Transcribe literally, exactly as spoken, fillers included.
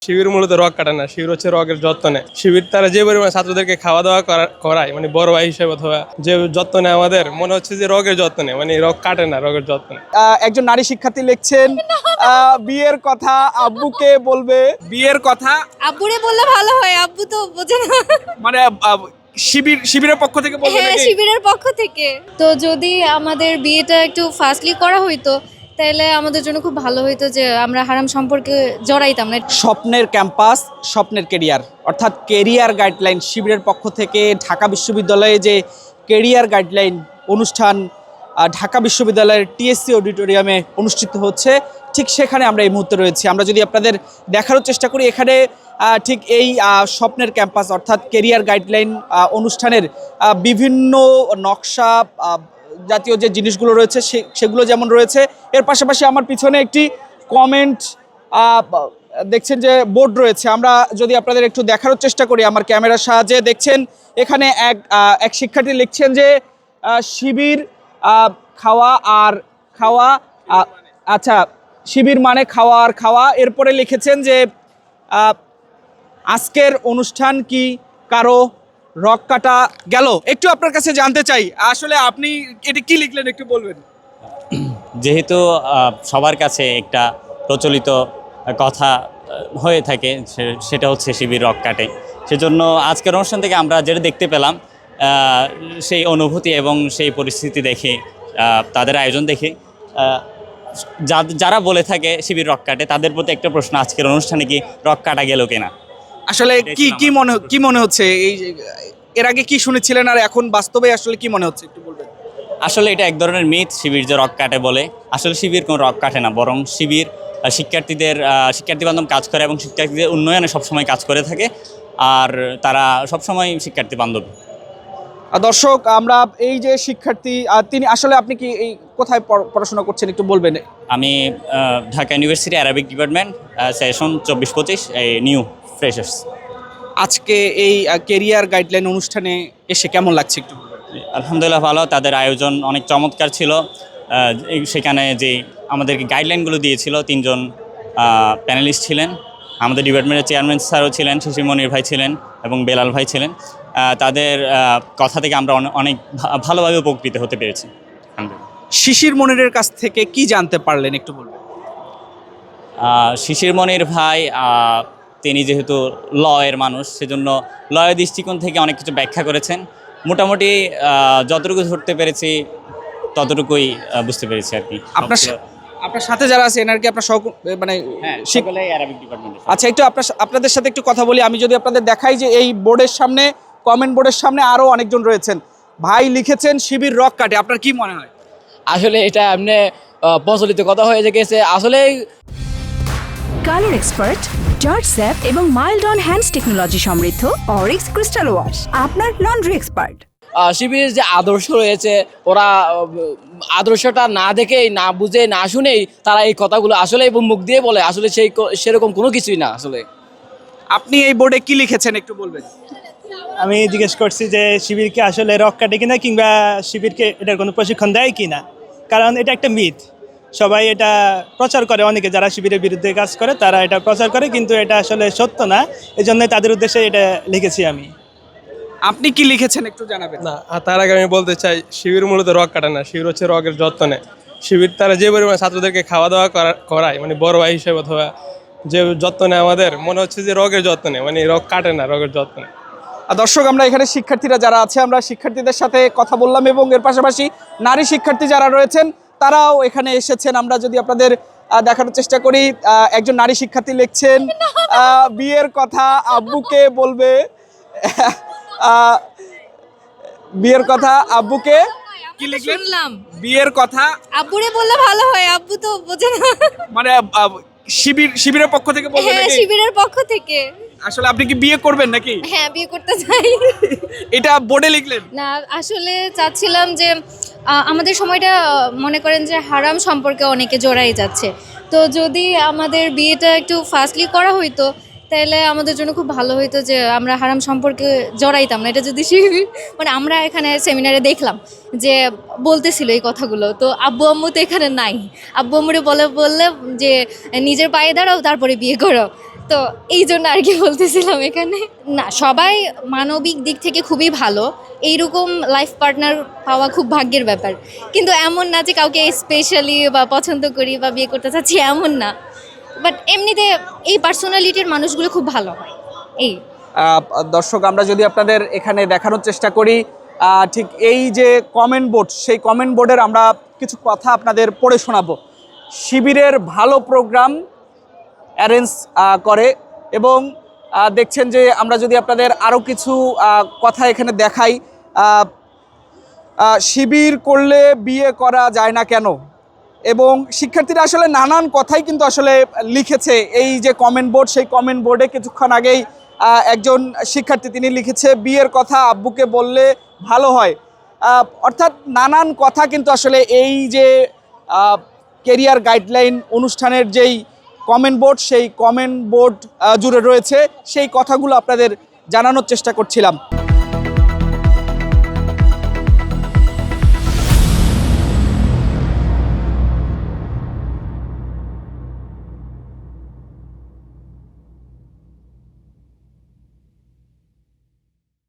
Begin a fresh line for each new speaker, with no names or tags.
শিবির মূলত রগ কাটে না, শিবির হচ্ছে রগের যত্ন নেয়। শিবির তারা যে পরিমাণে ছাত্রদেরকে খাওয়া দাওয়া করায়, মানে বড় ভাই হিসেবে অথবা যে যত্ন নেয় আমাদের, মনে হচ্ছে যে রগের যত্ন নেয়, মানে রগ কাটে না, রগের যত্ন নেয়।
একজন নারী শিক্ষার্থী লিখছেন বিয়ের কথা আব্বুকে বলবে। বিয়ের কথা
আব্বুরে বললে ভালো হয়, আব্বু তো বোঝে না।
মানে শিবির শিবিরের পক্ষ থেকে বলবে
হ্যাঁ,
নাকি?
শিবিরের পক্ষ থেকে। তো যদি আমাদের বিয়েটা একটু ফাস্টলি করা হইতো তাহলে আমাদের জন্য খুব ভালো হইতো, যে আমরা হারাম সম্পর্কে জড়াইতাম না।
স্বপ্নের ক্যাম্পাস, স্বপ্নের কেরিয়ার, অর্থাৎ কেরিয়ার গাইডলাইন শিবিরের পক্ষ থেকে ঢাকা বিশ্ববিদ্যালয়ে যে কেরিয়ার গাইডলাইন অনুষ্ঠান ঢাকা বিশ্ববিদ্যালয়ের টিএসসি অডিটোরিয়ামে অনুষ্ঠিত হচ্ছে, ঠিক সেখানে আমরা এই মুহূর্তে রয়েছি। আমরা যদি আপনাদের দেখারও চেষ্টা করি, এখানে ঠিক এই স্বপ্নের ক্যাম্পাস অর্থাৎ কেরিয়ার গাইডলাইন অনুষ্ঠানের বিভিন্ন নকশা জাতীয় যে জিনিসগুলো রয়েছে সেগুলো যেমন রয়েছে, এর পাশাপাশি আমার পিছনে একটি কমেন্ট দেখছেন যে বোর্ড রয়েছে। আমরা যদি আপনাদের একটু দেখারও চেষ্টা করি আমার ক্যামেরার সাহায্যে, দেখছেন এখানে এক এক শিক্ষার্থী লিখছেন যে শিবির খাওয়া আর খাওয়া, আচ্ছা শিবির মানে খাওয়া আর খাওয়া। এরপরে লিখেছেন যে আজকের অনুষ্ঠান কি কারো রক কাটা গেল? একটু আপনার কাছে জানতে চাই, আসলে আপনি এটা কি লিখলেন একটু বলবেন?
যেহেতু সবার কাছে একটা প্রচলিত কথা হয়ে থাকে, সেটা হচ্ছে শিবির রক কাটে, সেজন্য আজকের অনুষ্ঠান থেকে আমরা যেটা দেখতে পেলাম সেই অনুভূতি এবং সেই পরিস্থিতি দেখে, তাদের আয়োজন দেখে যারা বলে থাকে শিবির রক কাটে, তাদের প্রতি একটা প্রশ্ন, আজকের অনুষ্ঠানে কি রক কাটা গেল কিনা?
আসলে কি কি মনে কি মনে হচ্ছে, এই এর আগে কি শুনেছিলেন আর এখন বাস্তবে আসলে কি মনে হচ্ছে একটু বলবেন?
আসলে এটা এক ধরনের মিথ, শিবির যে রক কাটে বলে। আসলে শিবির কোনো রক কাটে না, বরং শিবির শিক্ষার্থীদের শিক্ষার্থী বান্ধব কাজ করে এবং শিক্ষার্থীদের উন্নয়নে সবসময় কাজ করে থাকে, আর তারা সবসময় শিক্ষার্থী বান্ধব।
দর্শক, আমরা এই যে শিক্ষার্থী, তিনি আসলে আপনি কি এই কোথায় পড়াশোনা করছেন একটু বলবেন?
আমি Dhaka university Arabic department, session চব্বিশ পঁচিশ, এই নিউ ফ্রেশার্স।
আজকে এই কেরিয়ার গাইডলাইন অনুষ্ঠানে এসে কেমন লাগছে একটু?
আলহামদুলিল্লাহ ভালো, তাদের আয়োজন অনেক চমৎকার ছিল। সেখানে যে আমাদেরকে গাইডলাইনগুলো দিয়েছিল, তিনজন প্যানেলিস্ট ছিলেন, আমাদের ডিপার্টমেন্টের চেয়ারম্যান স্যারও ছিলেন, শিশির মনির ভাই ছিলেন এবং বেলাল ভাই ছিলেন। তাদের কথা থেকে আমরা অনেক ভালোভাবে উপকৃত হতে পেরেছি।
শিশির মনিরের কাছ থেকে কি জানতে পারলেন একটু বলবেন?
শিশির মনির ভাই তিনি যেহেতু ল এর মানুষ, সেজন্য লয়ের দৃষ্টিকোণ থেকে অনেক কিছু ব্যাখ্যা করেছেন। মোটামুটি যতটুকু ধরতে পেরেছি ততটুকুই বুঝতে পেরেছি আর কি।
আপনার আপনার সাথে যারা আছে এনার কি আপনার সহ মানে
অ্যারাবিক ডিপার্টমেন্ট?
আচ্ছা, একটু আপনার আপনাদের সাথে একটু কথা বলি। আমি যদি আপনাদের দেখাই যে এই বোর্ডের সামনে, কমেন্ট বোর্ডের সামনে আরও অনেকজন রয়েছেন। ভাই লিখেছেন শিবির রক কাটে, আপনার কি মনে হয়?
আসলে এটা এমনি প্রচলিত কথা হয়ে গেছে আসলে।
কালার এক্সপার্ট, জর্জ স্যাপ এবং মাইল্ড অন হ্যান্ডস টেকনোলজি সমৃদ্ধ অরিক্স ক্রিস্টাল ওয়াশ আপনার লন্ড্রি এক্সপার্ট।
শিবিরের যে আদর্শ রয়েছে, ওরা আদর্শটা না দেখেই, না বুঝে, না শুনেই তারা এই কথাগুলো আসলে মুখ দিয়ে বলে, আসলে সেই সেরকম কোনো কিছুই না। আসলে
আপনি এই বোর্ডে কি লিখেছেন একটু বলবেন?
আমি জিজ্ঞেস করছি যে শিবিরকে আসলে রক কাটে কিনা, কিংবা শিবিরকে এটার কোনো প্রশিক্ষণ দেয় কিনা, কারণ এটা একটা মিথ। সবাই এটা প্রচার করে, অনেকে যারা শিবিরের বিরুদ্ধে কাজ করে তারা এটা প্রচার করে, কিন্তু এটা আসলে সত্য না। এই জন্যই তাদের উদ্দেশ্যে এটা লিখেছি আমি।
আপনি কি লিখেছেন একটু জানাবেন?
না, তার আগে আমি বলতে চাই, শিবির মূলত রগ কাটে না, শিবির হচ্ছে রগের যত্ন নেয়। শিবির তারা যে পরিমাণে ছাত্রদেরকে খাওয়া দাওয়া করায়, মানে বড় ভাই হিসেবে অথবা যে যত্ন নেয় আমাদের, মনে হচ্ছে যে রগের যত্ন নেয়, মানে রগ কাটে না, রগের যত্ন নেয়।
দর্শক, আমরা এখানে শিক্ষার্থীরা যারা আছে, আমরা শিক্ষার্থীদের সাথে কথা বললাম এবং এর পাশাপাশি নারী শিক্ষার্থী যারা রয়েছেন তারাও এখানে এসেছেন। আমরা যদি আপনাদের দেখানোর চেষ্টা করি, একজন নারী শিক্ষার্থী লিখছেন বিয়ের কথা আব্বুকে বলবে। বিয়ের কথা আব্বুকে কি লিখলেন? বিয়ের কথা
আব্বুরে বললে ভালো হয়, আব্বু তো বোঝে না।
মানে শিবির শিবিরের পক্ষ থেকে বলবেন
হ্যাঁ,
নাকি?
শিবিরের পক্ষ থেকে।
আসলে আপনি কি বিয়ে করবেন নাকি?
হ্যাঁ, বিয়ে করতে চাই।
এটা বোর্ডে লিখলেন?
না, আসলে চাচ্ছিলাম যে আমাদের সময়টা মনে করেন যে হারাম সম্পর্কে অনেকে জড়াই যাচ্ছে, তো যদি আমাদের বিয়েটা একটু ফাস্টলি করা হইতো তাহলে আমাদের জন্য খুব ভালো হইতো, যে আমরা হারাম সম্পর্কে জড়াইতাম না। এটা যদি শিবির মানে আমরা এখানে সেমিনারে দেখলাম যে বলতেছিল এই কথাগুলো, তো আব্বু আম্মু তো এখানে নাই, আব্বু আম্মুরে বলে বললে যে নিজের পায়ে দাঁড়াও তারপরে বিয়ে করো, তো এই জন্য আর কি বলতেছিলাম এখানে। না, সবাই মানবিক দিক থেকে খুবই ভালো, এইরকম লাইফ পার্টনার পাওয়া খুব ভাগ্যের ব্যাপার। কিন্তু এমন না যে কাউকে স্পেশালি বা পছন্দ করি বা বিয়ে করতে চাচ্ছি, এমন না। বাট এমনিতে এই পার্সোনালিটির মানুষগুলো খুব ভালো হয় এই।
আহ, দর্শক, আমরা যদি আপনাদের এখানে দেখানোর চেষ্টা করি, আহ, ঠিক এই যে কমেন্ট বোর্ড, সেই কমেন্ট বোর্ডের আমরা কিছু কথা আপনাদের পড়ে শোনাবো। শিবিরের ভালো প্রোগ্রাম অ্যারেঞ্জ করে এবং আহ, দেখছেন যে আমরা যদি আপনাদের আরও কিছু আহ, কথা এখানে দেখাই, আহ, আহ, শিবির করলে বিয়ে করা যায় না কেন, এবং শিক্ষার্থীরা আসলে নানান কথাই কিন্তু আসলে লিখেছে এই যে কমেন্ট বোর্ড, সেই কমেন্ট বোর্ডে কিছুক্ষণ আগেই আহ, একজন শিক্ষার্থী তিনি লিখেছে বিয়ের কথা আব্বুকে বললে ভালো হয়। আহ, অর্থাৎ নানান কথা কিন্তু আসলে এই যে কেরিয়ার গাইডলাইন অনুষ্ঠানের যেই কমেন্ট বোর্ড, সেই কমেন্ট বোর্ড জুড়ে রয়েছে, সেই কথাগুলো আপনাদের জানানোর চেষ্টা করছিলাম।